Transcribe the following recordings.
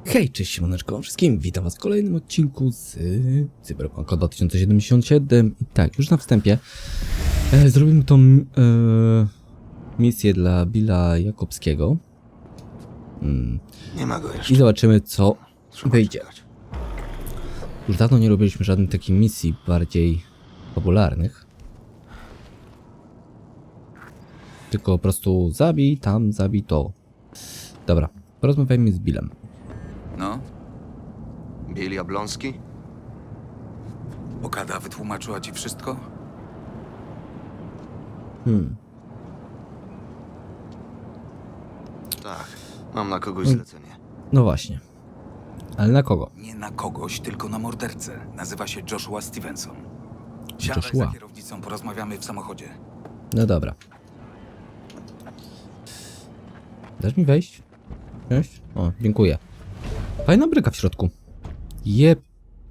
Hej, cześć siemaneczko wszystkim, witam was w kolejnym odcinku z Cyberpunka 2077 i tak, już na wstępie zrobimy tą misję dla Billa Jakobskiego Nie ma go jeszcze. i zobaczymy co Trzeba wyjdzie. czekać. Już dawno nie robiliśmy żadnych takich misji bardziej popularnych. Tylko po prostu zabij tam, zabij to. Dobra, porozmawiajmy z Billem. No, Bill Jablonski? Okada wytłumaczyła ci wszystko? Tak. Mam na kogoś zlecenie. No właśnie. Ale na kogo? Nie na kogoś, tylko na mordercę. Nazywa się Joshua Stevenson. Siadaj Joshua. za kierownicą, porozmawiamy w samochodzie. No dobra. Dasz mi wejść? Wejść? O, dziękuję. Fajna bryka w środku. Jeb.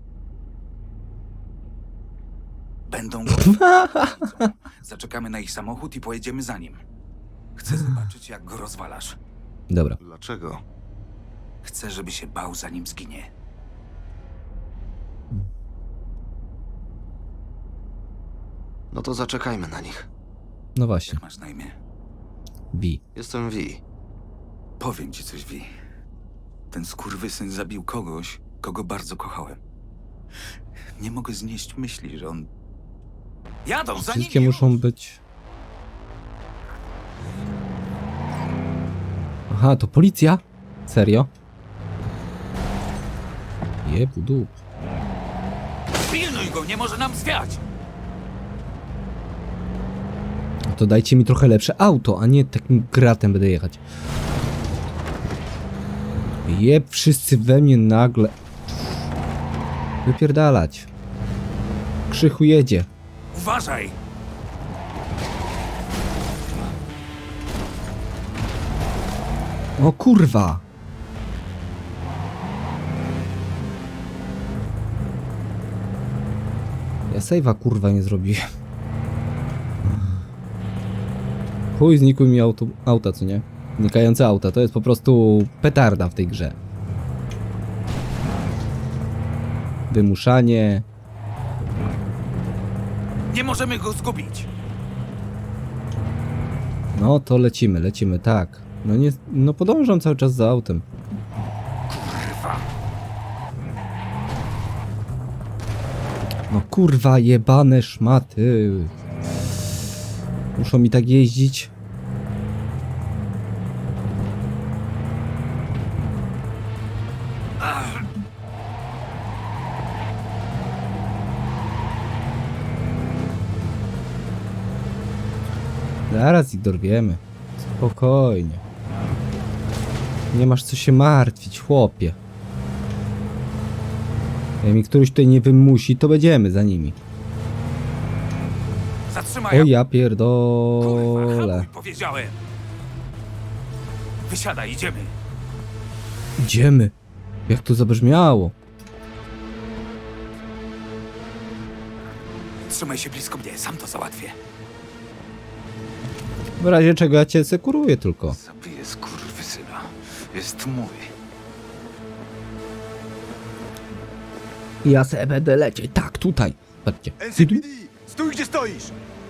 Będą Zaczekamy na ich samochód i pojedziemy za nim. Chcę zobaczyć, jak go rozwalasz. Dobra. Dlaczego? Chcę, żeby się bał, zanim zginie. No to zaczekajmy na nich. No właśnie. Jak masz na imię? Bi. Jestem V. Powiem ci coś, Vi. Ten skurwysyn zabił kogoś, kogo bardzo kochałem. Nie mogę znieść myśli, że on... Jadą za Wszystkie nimi muszą już! być... Aha, to policja? Serio? Jebu dup. Pilnuj go, nie może nam zwiać! No to dajcie mi trochę lepsze auto, a nie takim gratem będę jechać. Jeb, wszyscy we mnie nagle. Wypierdalać. Krzychu jedzie. Uważaj! O kurwa! Ja save'a kurwa nie zrobiłem. Chuj, znikły mi auta, co nie? Znikające auta, to jest po prostu petarda w tej grze. Wymuszanie. Nie możemy go zgubić! No to lecimy, tak. No nie, no podążam cały czas za autem. Kurwa! No kurwa, jebane szmaty. Muszą mi tak jeździć. Zaraz ich dorwiemy. Spokojnie. Nie masz co się martwić, chłopie. Jak mi któryś tutaj nie wymusi, to będziemy za nimi. Zatrzymaj! O ja Kurwa, pierdolę. hamuj, powiedziałem! Wysiadaj, idziemy! Idziemy. Jak to zabrzmiało. Trzymaj się blisko mnie, sam to załatwię. W razie czego ja cię sekuruję tylko. Zabiję skurwysyna. Jest mój. Ja se będę lecieć. Tak, tutaj. Patrzcie. NCPD! Stój gdzie stoisz!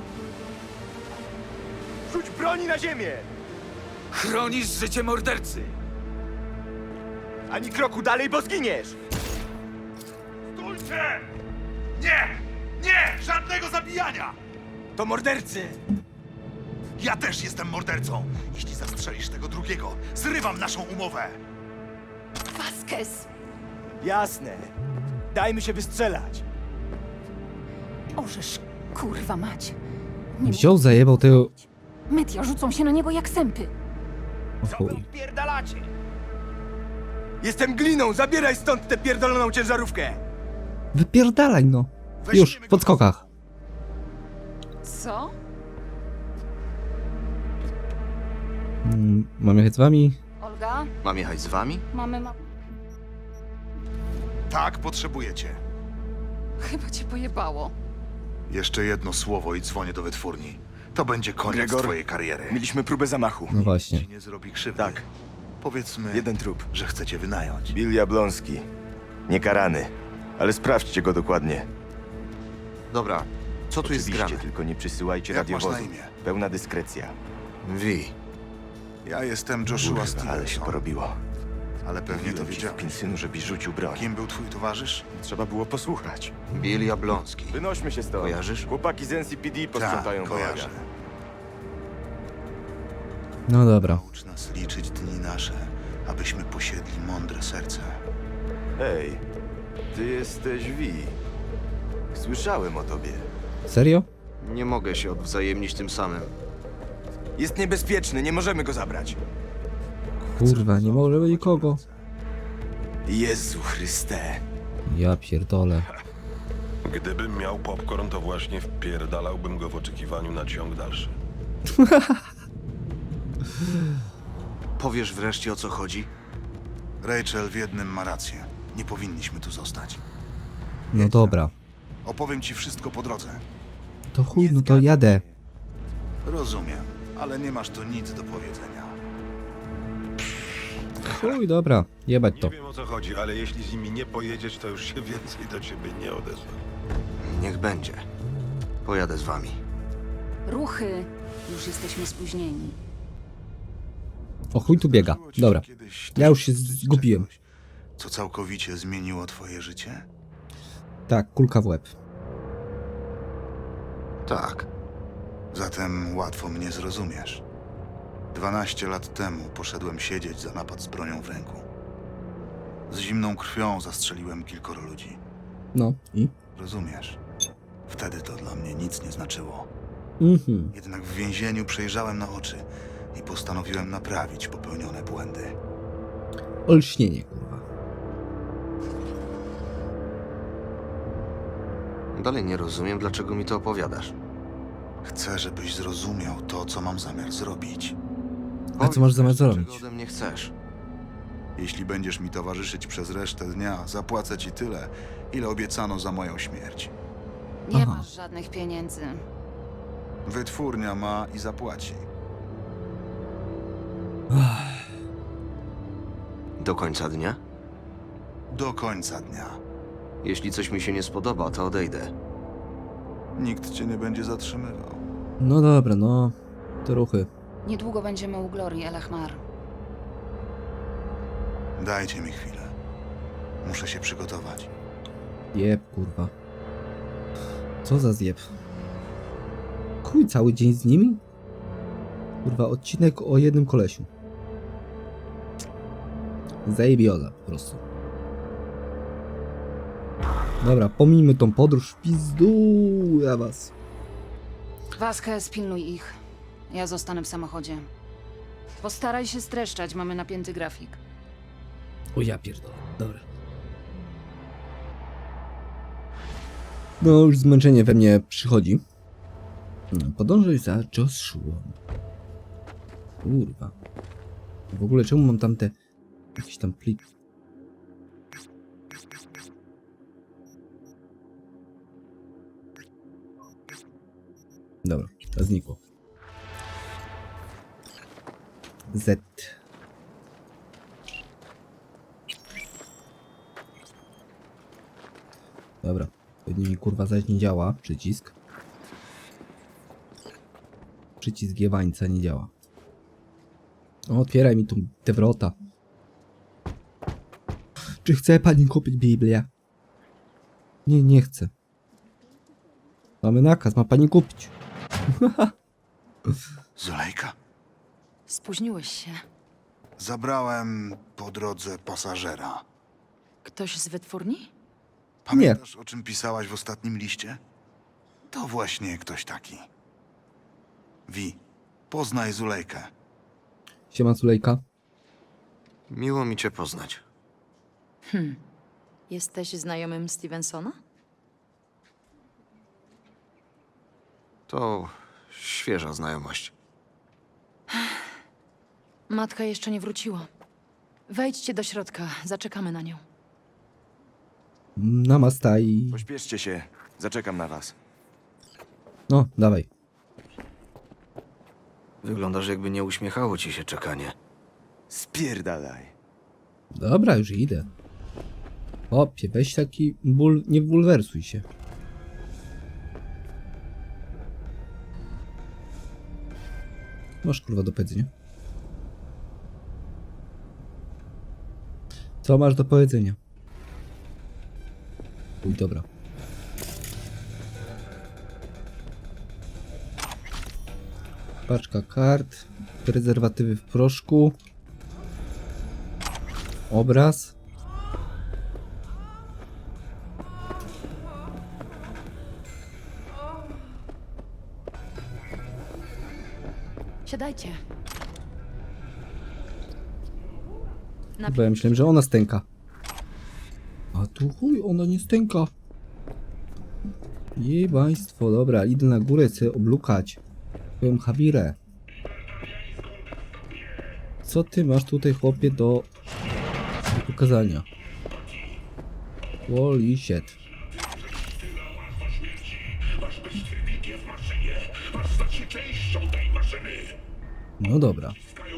Rzuć broni na ziemię! Chronisz życie mordercy! Ani kroku dalej, bo zginiesz! Stójcie! Nie! Nie! Żadnego zabijania! To mordercy! Ja też jestem mordercą. Jeśli zastrzelisz tego drugiego, zrywam naszą umowę. Vasquez! Jasne. Dajmy się wystrzelać. Orzesz, kurwa mać. Nie Wziął, zajebał tego... Media rzucą się na niego jak sępy. O chuj. Pierdalacie! Jestem Gliną, zabieraj stąd tę pierdoloną ciężarówkę! Wypierdalaj no. Już, w podskokach. Co? Mam jechać z wami? Olga? Mam jechać z wami? Mamy Tak, potrzebujecie. Chyba cię pojebało. Jeszcze jedno słowo i dzwonię do wytwórni. To będzie koniec Gregor, twojej kariery. Mieliśmy próbę zamachu. No właśnie. Ci nie zrobi krzywdy. Tak. Powiedzmy, Jeden trup. że chcecie wynająć. Bill Jablonski. Niekarany. Ale sprawdźcie go dokładnie. Dobra, co tu jest Oczywiście, grane? tylko nie przysyłajcie Jak masz na radiowozów. imię? Pełna dyskrecja. Wi. Ja jestem Joshua Kurwa, ale się Stevenson, porobiło. ale pewnie to Mówiłem ci, wiedziałeś. skurwysynu, żebyś rzucił broń. Kim był twój towarzysz? Trzeba było posłuchać. Bill Jablonski. Wynośmy się stąd. Kojarzysz? Chłopaki z NCPD posprzątają kojarzę. bałagan. No dobra. Naucz nas liczyć dni nasze, abyśmy posiedli mądre serce. Hej, ty jesteś Vi. Słyszałem o tobie. Serio? Nie mogę się odwzajemnić tym samym. Jest niebezpieczny, nie możemy go zabrać. Kurwa, nie może być nikogo. Jezu Chryste. Ja pierdolę. Gdybym miał popcorn, to właśnie wpierdalałbym go w oczekiwaniu na ciąg dalszy. Powiesz wreszcie, o co chodzi? Rachel w jednym ma rację. Nie powinniśmy tu zostać. No dobra. Opowiem ci wszystko po drodze. To chuj, no to jadę. Rozumiem, ale nie masz tu nic do powiedzenia. Chuj, dobra. Jebać to. Nie wiem o co chodzi, ale jeśli z nimi nie pojedziesz, to już się więcej do ciebie nie odezwę. Niech będzie. Pojadę z wami. Ruchy! Już jesteśmy spóźnieni. O chuj tu biega. Zdarzyło ci się Dobra. kiedyś Ja już się doświadczyć zgubiłem. czegoś, co całkowicie zmieniło twoje życie? Tak, kulka w łeb. Tak. Zatem łatwo mnie zrozumiesz. 12 lat temu poszedłem siedzieć za napad z bronią w ręku. Z zimną krwią zastrzeliłem kilkoro ludzi. No i? Rozumiesz? Wtedy to dla mnie nic nie znaczyło. Mhm. Jednak w więzieniu przejrzałem na oczy i postanowiłem naprawić popełnione błędy. Olśnienie, kurwa. Dalej nie rozumiem, dlaczego mi to opowiadasz. Chcę, żebyś zrozumiał to, co mam zamiar zrobić. A co masz zamiar zrobić? Czego ode mnie chcesz? Jeśli będziesz mi towarzyszyć przez resztę dnia, zapłacę ci tyle, ile obiecano za moją śmierć. Nie Aha. masz żadnych pieniędzy. Wytwórnia ma i zapłaci. Do końca dnia? Do końca dnia. Jeśli coś mi się nie spodoba, to odejdę. Nikt cię nie będzie zatrzymywał. No dobra, no. To ruchy. Niedługo będziemy u Glorii Elachmar. Dajcie mi chwilę. Muszę się przygotować. Jeb, kurwa. Co za zjeb? Chuj, cały dzień z nimi? Kurwa, odcinek o jednym kolesiu. Zajebioza, po prostu. Dobra, pomijmy tą podróż w pizdu, ja was. Vasquez, pilnuj ich. Ja zostanę w samochodzie. Postaraj się streszczać, mamy napięty grafik. O ja pierdolę, dobra. No już zmęczenie we mnie przychodzi. Podążaj za Joshua. Kurwa. W ogóle czemu mam tam te... jakieś tam pliki? Dobra, to znikło. Z. Dobra, pewnie mi kurwa zaś nie działa przycisk. Przycisk jebańca nie działa. O, otwieraj mi tu te wrota. Czy chce pani kupić Biblię? Nie, nie chcę. Mamy nakaz, ma pani kupić. Zulejka? Spóźniłeś się. Zabrałem po drodze pasażera. Ktoś z wytwórni? Pamiętasz, o czym pisałaś w ostatnim liście? To właśnie ktoś taki. Wi, poznaj Zulejkę. Siema Sulejka. Miło mi cię poznać. Jesteś znajomym Stevensona? To świeża znajomość. Matka jeszcze nie wróciła. Wejdźcie do środka, zaczekamy na nią. Namasta i... Pośpieszcie się. Zaczekam na was. No, dawaj. Wyglądasz, jakby nie uśmiechało ci się czekanie. Spierdalaj. Dobra, już idę. Opie, weź taki ból, nie bulwersuj się. Masz kurwa do powiedzenia. Co masz do powiedzenia? Uj, dobra. Paczka kart, prezerwatywy w proszku, obraz. Siadajcie. Bo ja myślałem, że ona stęka. A tu chuj, ona nie stęka. Jebaństwo, dobra, idę na górę sobie oblukać swoją Habirę. Co ty masz tutaj, chłopie, do pokazania? Holy shit. No dobra.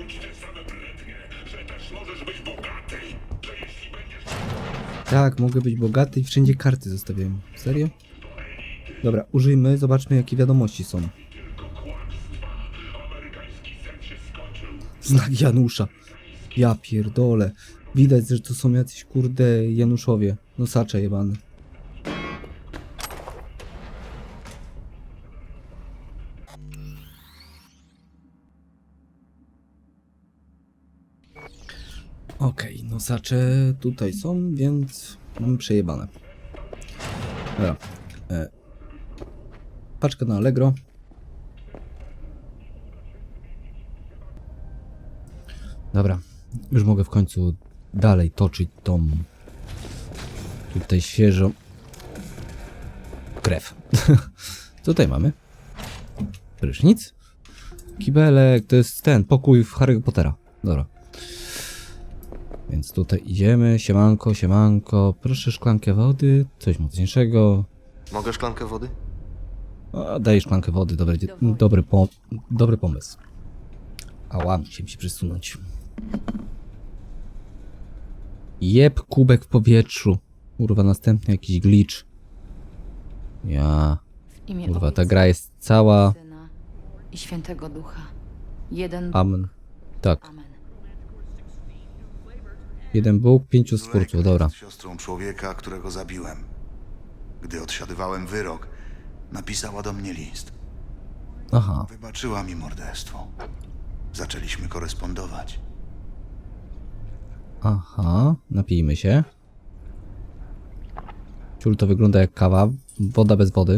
Tak, mogę być bogaty i wszędzie karty zostawiam. Serio? Dobra, użyjmy, zobaczmy jakie wiadomości są. Znak Janusza. Ja pierdolę. Widać, że to są jacyś kurde Januszowie. Nosacze jebane. Okej, nosacze tutaj są, więc mamy przejebane. Dobra. Paczka na Allegro. Dobra, już mogę w końcu dalej toczyć tą tutaj świeżą krew. Tutaj mamy prysznic. Kibelek, to jest ten pokój w Harry'ego Pottera. Dobra. Więc tutaj idziemy, siemanko, siemanko, proszę szklankę wody, coś mocniejszego. Mogę szklankę wody? A, daj szklankę wody, dobry pomysł. Ała, musiałem się przesunąć. Jeb, kubek w powietrzu. Kurwa, następny jakiś glitch. Ja... W imię Kurwa, ta Ojca, gra jest cała... Syna i Świętego Ducha. Jeden Amen. Tak. Amen. Jeden Bóg, 5 stwórców, dobra. Jest siostrą człowieka, którego zabiłem. Gdy odsiadywałem wyrok, napisała do mnie list. Aha. Wybaczyła mi morderstwo. Zaczęliśmy korespondować. Aha, napijmy się. Ciul, to wygląda jak kawa. Woda bez wody.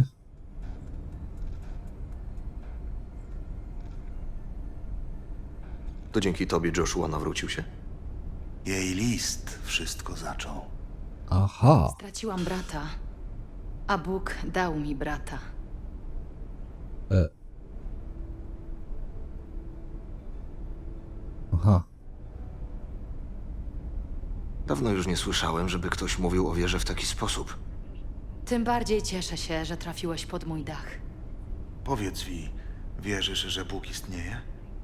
To dzięki tobie Joshua nawrócił się. Jej list wszystko zaczął. Aha. Straciłam brata, a Bóg dał mi brata. Aha. Dawno już nie słyszałem, żeby ktoś mówił o wierze w taki sposób. Tym bardziej cieszę się, że trafiłeś pod mój dach. Powiedz mi, wierzysz, że Bóg istnieje?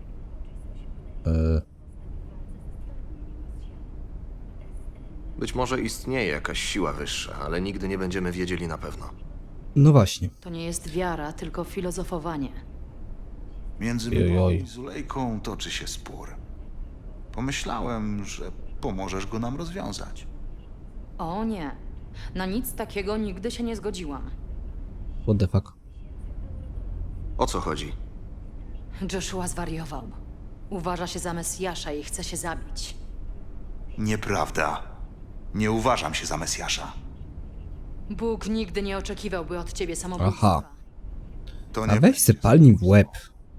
Być może istnieje jakaś siła wyższa, ale nigdy nie będziemy wiedzieli na pewno. No właśnie. To nie jest wiara, tylko filozofowanie. Między mną i Zulejką toczy się spór. Pomyślałem, że pomożesz go nam rozwiązać. O nie, na nic takiego nigdy się nie zgodziłam. What the fuck? O co chodzi? Joshua zwariował. Uważa się za Mesjasza i chce się zabić. Nieprawda. Nie uważam się za Mesjasza. Bóg nigdy nie oczekiwałby od ciebie samobójstwa. Aha. To A nie weź se palni w łeb.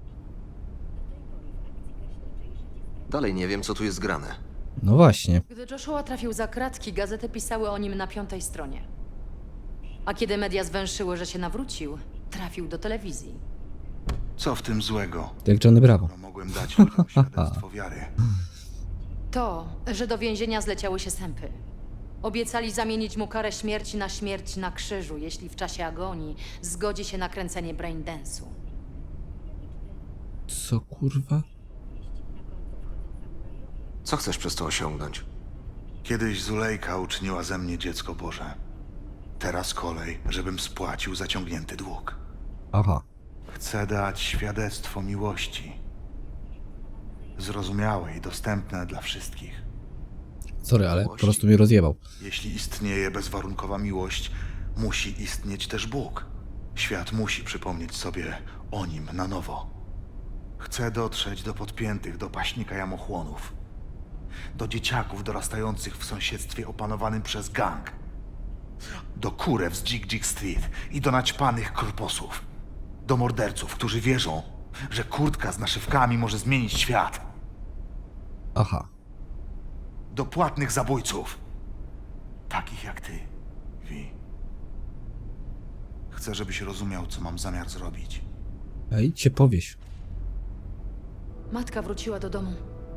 Dalej nie wiem, co tu jest grane. No właśnie. Gdy Joshua trafił za kratki, gazety pisały o nim na 5. stronie. A kiedy media zwęszyły, że się nawrócił, trafił do telewizji. Co w tym złego? Jak Johnny Bravo. No, mogłem dać ludziom świadectwo wiary. To, że do więzienia zleciały się sępy. Obiecali zamienić mu karę śmierci na krzyżu, jeśli w czasie agonii zgodzi się na kręcenie braindance'u. Co kurwa? Co chcesz przez to osiągnąć? Kiedyś Zulejka uczyniła ze mnie dziecko Boże. Teraz kolej, żebym spłacił zaciągnięty dług. Aha. Chcę dać świadectwo miłości. Zrozumiałe i dostępne dla wszystkich. Sorry, ale po prostu mnie rozjebał. Jeśli istnieje bezwarunkowa miłość, musi istnieć też Bóg. Świat musi przypomnieć sobie o nim na nowo. Chcę dotrzeć do podpiętych do paśnika jamochłonów. Do dzieciaków dorastających w sąsiedztwie opanowanym przez gang. Do kurew z Dzik Street i do naćpanych korposów. Do morderców, którzy wierzą, że kurtka z naszywkami może zmienić świat. Aha. Do płatnych zabójców. Takich jak ty, Vi. Chcę, żebyś rozumiał, co mam zamiar zrobić. A idź się powieś. Matka wróciła do domu.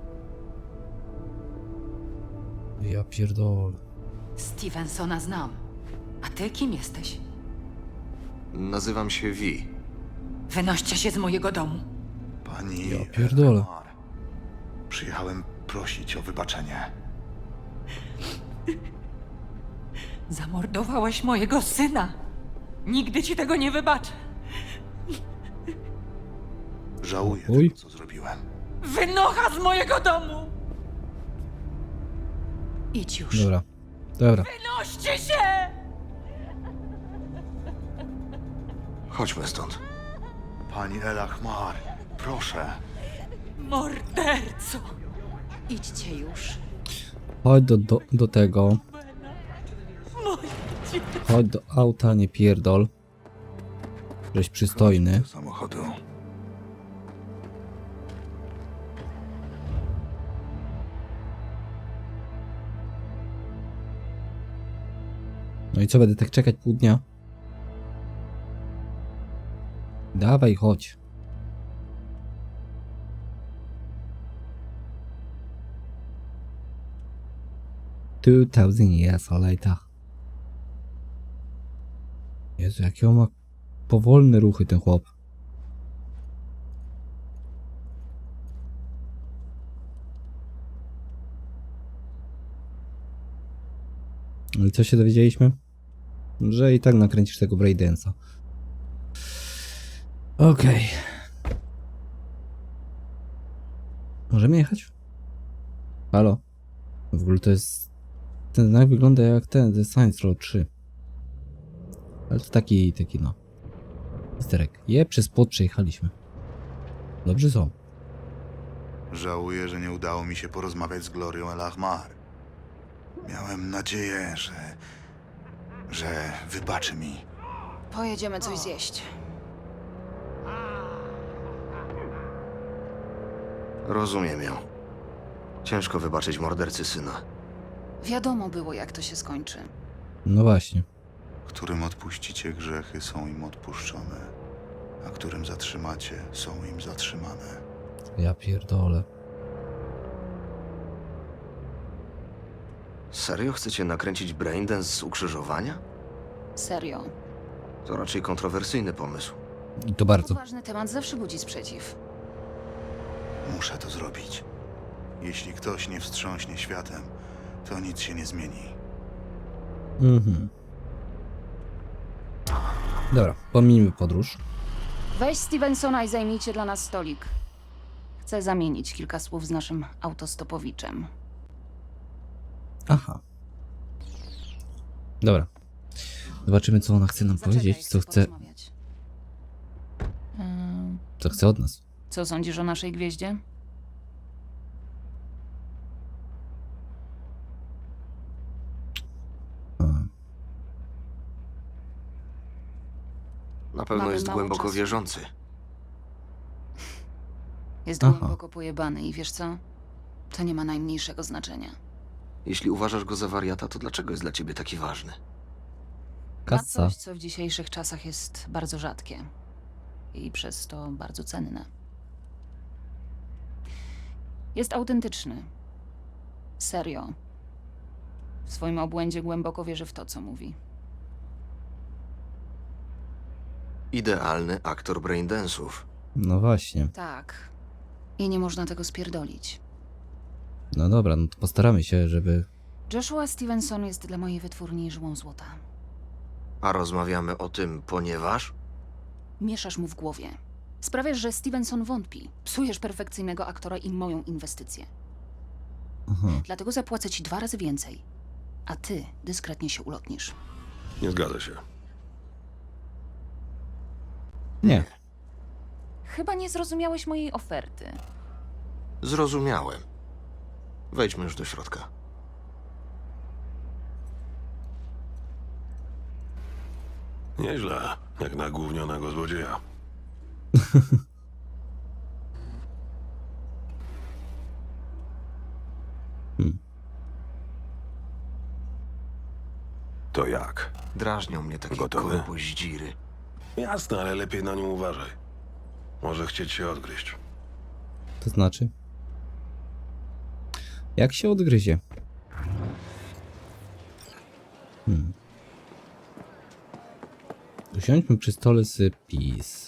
Ja pierdolę. Stevensona znam. A ty kim jesteś? Nazywam się Vi. Wynoście się z mojego domu. Pani... Ja pierdolę. Elmar, przyjechałem prosić o wybaczenie. Zamordowałeś mojego syna. Nigdy ci tego nie wybaczę. Żałuję Uj. tego, co zrobiłem. Wynocha z mojego domu! Idź już. Dobra. Dobra. Wynoście się! Chodźmy stąd. Pani Elachmar, proszę. Morderco! Idźcie już. Chodź do tego. Chodź do auta, nie pierdol. Żeś przystojny. Do samochodu. No i co, będę tak czekać pół dnia? Dawaj, chodź. Two thousand years later. Jezu, jakie on ma powolne ruchy, ten chłop. Ale co się dowiedzieliśmy? Że i tak nakręcisz tego Braidensa. Okej. Możemy jechać? Halo? W ogóle to jest... Ten znak wygląda jak ten, The Saints Row 3. Ale to taki no. Misterek. Przez płot przejechaliśmy. Dobrze są. Żałuję, że nie udało mi się porozmawiać z Glorią Elachmar. Miałem nadzieję, że wybaczy mi. Pojedziemy coś zjeść. Rozumiem ją. Ciężko wybaczyć mordercy syna. Wiadomo było, jak to się skończy. No właśnie. Którym odpuścicie grzechy, są im odpuszczone, a którym zatrzymacie, są im zatrzymane. Ja pierdolę. Serio chcecie nakręcić Braindance z ukrzyżowania? Serio. To raczej kontrowersyjny pomysł. I to bardzo. Ważny temat zawsze budzi sprzeciw. Muszę to zrobić. Jeśli ktoś nie wstrząśnie światem, to nic się nie zmieni. Mhm. Dobra, pomijmy podróż. Weź Stevensona i zajmijcie dla nas stolik. Chcę zamienić kilka słów z naszym autostopowiczem. Aha. Dobra. Zobaczymy, co ona chce nam powiedzieć, co chce, porozmawiać. co chce od nas. Co sądzisz o naszej gwieździe? A, Na pewno Mamy jest mało głęboko czasu. wierzący. Jest Aha. głęboko pojebany i wiesz co? To nie ma najmniejszego znaczenia. Jeśli uważasz go za wariata, to dlaczego jest dla ciebie taki ważny? Ma Kasa. coś, co w dzisiejszych czasach jest bardzo rzadkie. I przez to bardzo cenne. Jest autentyczny. Serio. W swoim obłędzie głęboko wierzy w to, co mówi. Idealny aktor Braindance'ów. No właśnie. Tak. I nie można tego spierdolić. No dobra, no to postaramy się, żeby... Joshua Stevenson jest dla mojej wytwórni żyłą złota. A rozmawiamy o tym, ponieważ... Mieszasz mu w głowie. Sprawiasz, że Stevenson wątpi. Psujesz perfekcyjnego aktora i moją inwestycję. Aha. Dlatego zapłacę ci 2 razy więcej. A ty dyskretnie się ulotnisz. Nie zgadza się. Nie. Chyba nie zrozumiałeś mojej oferty. Zrozumiałem. Wejdźmy już do środka. Nieźle, jak na gównionego złodzieja. To jak? Drażnią mnie takie Gotowy? kołboździry. Jasne, ale lepiej na nim uważaj. Może chcieć się odgryźć. To znaczy? Jak się odgryzie? Usiądźmy przy stole z PiS.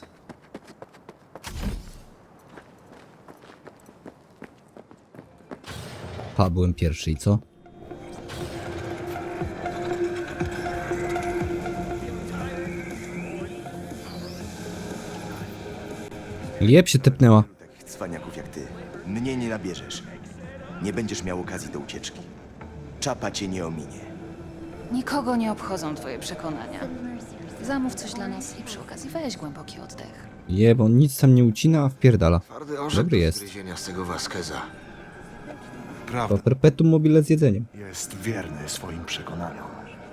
Byłem pierwszy i co? Jeb się tepnęła. Takich cwaniaków jak ty. Mnie nie nabierzesz. Nie będziesz miał okazji do ucieczki. Czapa cię nie ominie. Nikogo nie obchodzą twoje przekonania. Zamów coś dla nas i przy okazji weź głęboki oddech. Jeb, on nic tam nie ucina, a wpierdala. Twardy orzech Dobry do jest. zgryzienia z tego Vasqueza. Prawda, To perpetuum mobile z jedzeniem. jest wierny swoim przekonaniom.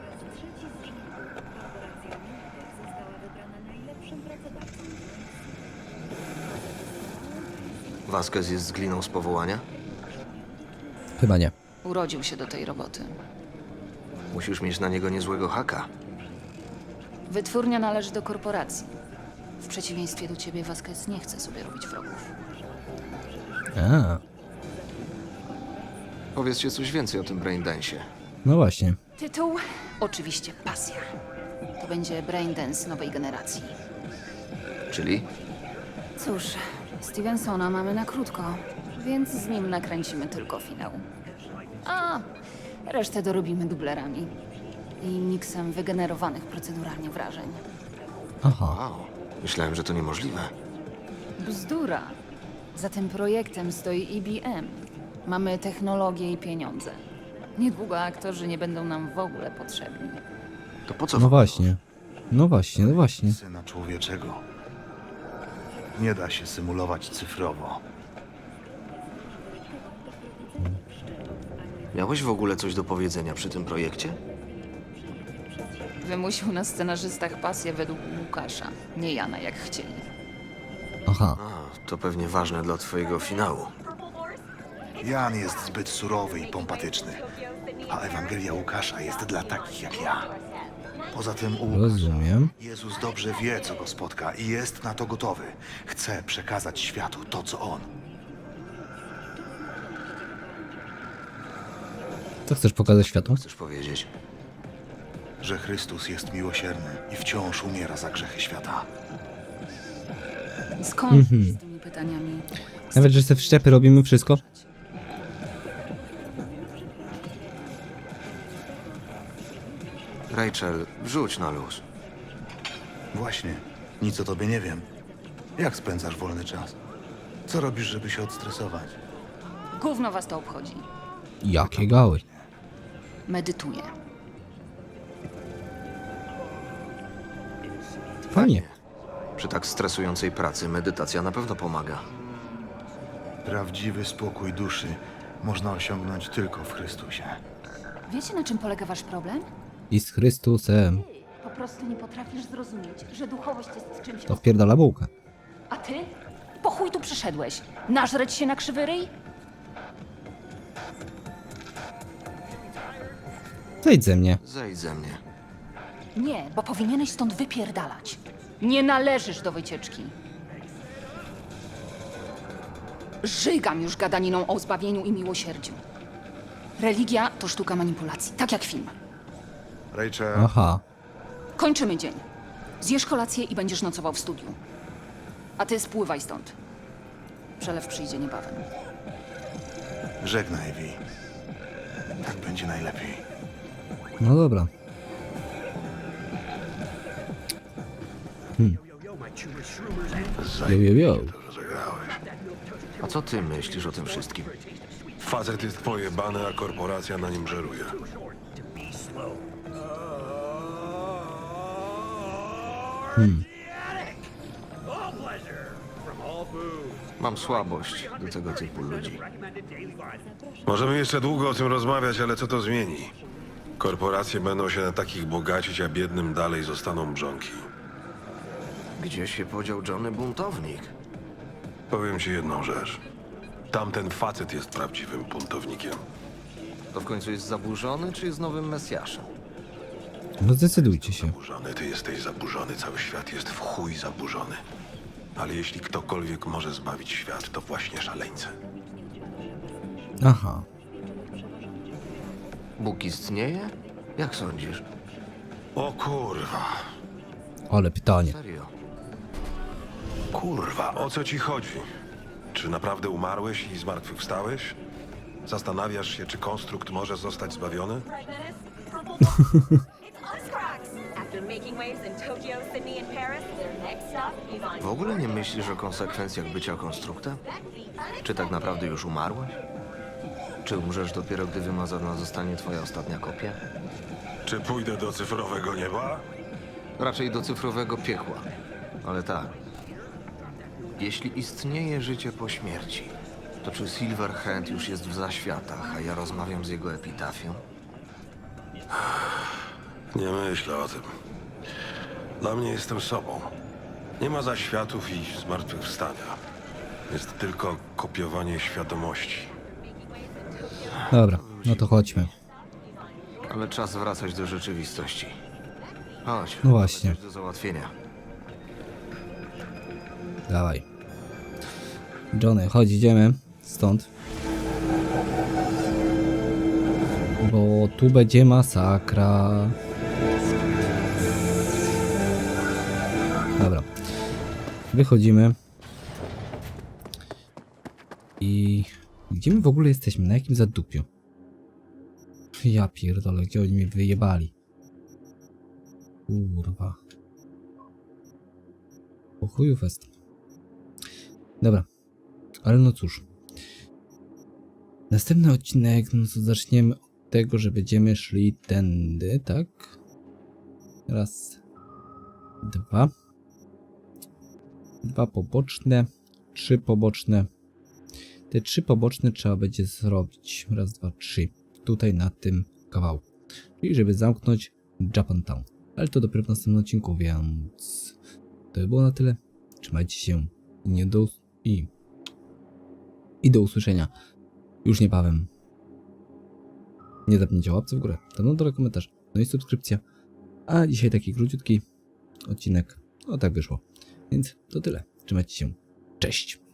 Vasquez jest z gliną z powołania? Chyba nie. Urodził się do tej roboty. Musisz mieć na niego niezłego haka. Wytwórnia należy do korporacji. W przeciwieństwie do ciebie, Vasquez nie chce sobie robić wrogów. A, Powiedzcie coś więcej o tym braindance'ie. no właśnie. Tytuł? Oczywiście pasja. To będzie braindance nowej generacji. Czyli? Cóż, Stevensona mamy na krótko, więc z nim nakręcimy tylko finał. A resztę dorobimy dublerami i miksem wygenerowanych proceduralnie wrażeń. Aha. Wow, myślałem, że to niemożliwe. Bzdura. Za tym projektem stoi IBM. Mamy technologię i pieniądze. Niedługo aktorzy nie będą nam w ogóle potrzebni. To po co? No właśnie. No właśnie, no właśnie. Syna człowieczego. Nie da się symulować cyfrowo. Miałeś w ogóle coś do powiedzenia przy tym projekcie? Wymusił na scenarzystach pasję według Łukasza, nie Jana jak chcieli. Aha. A, to pewnie ważne dla twojego finału. Jan jest zbyt surowy i pompatyczny, a Ewangelia Łukasza jest dla takich jak ja. Poza tym u Łukasza Rozumiem. Jezus dobrze wie, co go spotka i jest na to gotowy. Chce przekazać światu to, co on. Co chcesz pokazać światu? Chcesz powiedzieć? Że Chrystus jest miłosierny i wciąż umiera za grzechy świata. Skąd z tymi pytaniami? Nawet, że te wszczepy robimy wszystko? Rachel, wrzuć na luz. Właśnie, nic o tobie nie wiem. Jak spędzasz wolny czas? Co robisz, żeby się odstresować? Gówno was to obchodzi. Jakie gały. Medytuję. Fajnie. Przy tak stresującej pracy medytacja na pewno pomaga. Prawdziwy spokój duszy można osiągnąć tylko w Chrystusie. Wiecie, na czym polega wasz problem? I z Chrystusem. Po prostu nie potrafisz zrozumieć, że duchowość jest czymś... To wpierdala bułkę. A ty? Po chuj tu przyszedłeś? Nażreć się na krzywy ryj? Zejdź ze mnie. Zejdź ze mnie. Nie, bo powinieneś stąd wypierdalać. Nie należysz do wycieczki. Żygam już gadaniną o zbawieniu i miłosierdziu. Religia to sztuka manipulacji, tak jak film. Rachel, Aha. Kończymy dzień. Zjesz kolację i będziesz nocował w studiu. A ty spływaj stąd. Przelew przyjdzie niebawem. Żegnaj, Vi. Tak będzie najlepiej. No dobra. Jo, jo, jo. A co ty myślisz o tym wszystkim? Facet jest pojebany, a korporacja na nim żeruje. Mam słabość do tego typu ludzi. Możemy jeszcze długo o tym rozmawiać, ale co to zmieni? Korporacje będą się na takich bogacić, a biednym dalej zostaną mrzonki. Gdzie się podział Johnny Buntownik? Powiem ci jedną rzecz. Tamten facet jest prawdziwym buntownikiem. To w końcu jest zaburzony, czy jest nowym Mesjaszem? No zdecydujcie się. Zaburzony, ty jesteś zaburzony, cały świat jest w chuj zaburzony. Ale jeśli ktokolwiek może zbawić świat, to właśnie szaleńcy. Aha. Bóg istnieje? Jak sądzisz? O kurwa. Ale pytanie. Serio? Kurwa, o co ci chodzi? Czy naprawdę umarłeś i zmartwychwstałeś? Zastanawiasz się, czy konstrukt może zostać zbawiony? W ogóle nie myślisz o konsekwencjach bycia konstruktem? Czy tak naprawdę już umarłeś? Czy umrzesz dopiero, gdy wymazana zostanie twoja ostatnia kopia? Czy pójdę do cyfrowego nieba? Raczej do cyfrowego piekła. Ale tak. Jeśli istnieje życie po śmierci, to czy Silverhand już jest w zaświatach, a ja rozmawiam z jego epitafią? Nie myślę o tym. Dla mnie jestem sobą. Nie ma zaświatów i zmartwychwstania. Jest tylko kopiowanie świadomości. Dobra, no to chodźmy. Ale czas wracać do rzeczywistości. Chodź. No właśnie. mamy coś do załatwienia. Dawaj. Johnny, chodź, idziemy stąd. Bo tu będzie masakra. Dobra. Wychodzimy. I... Gdzie my w ogóle jesteśmy? Na jakim zadupiu? Ja pierdolę, gdzie oni mnie wyjebali? Kurwa. Po chuju fest. Dobra. Ale no cóż. Następny odcinek, no to zaczniemy od tego, że będziemy szli tędy, tak? Raz. Dwa. Dwa poboczne. Trzy poboczne. Te trzy poboczne trzeba będzie zrobić. Raz, dwa, trzy. Tutaj na tym kawałku. Czyli żeby zamknąć Japantown. Ale to dopiero w następnym odcinku, więc... To by było na tyle. Trzymajcie się. I do usłyszenia już niebawem. Nie zapomnijcie o łapce w górę, tam dole komentarz, no i subskrypcja. A dzisiaj taki króciutki odcinek. No tak wyszło. Więc to tyle. Trzymajcie się. Cześć.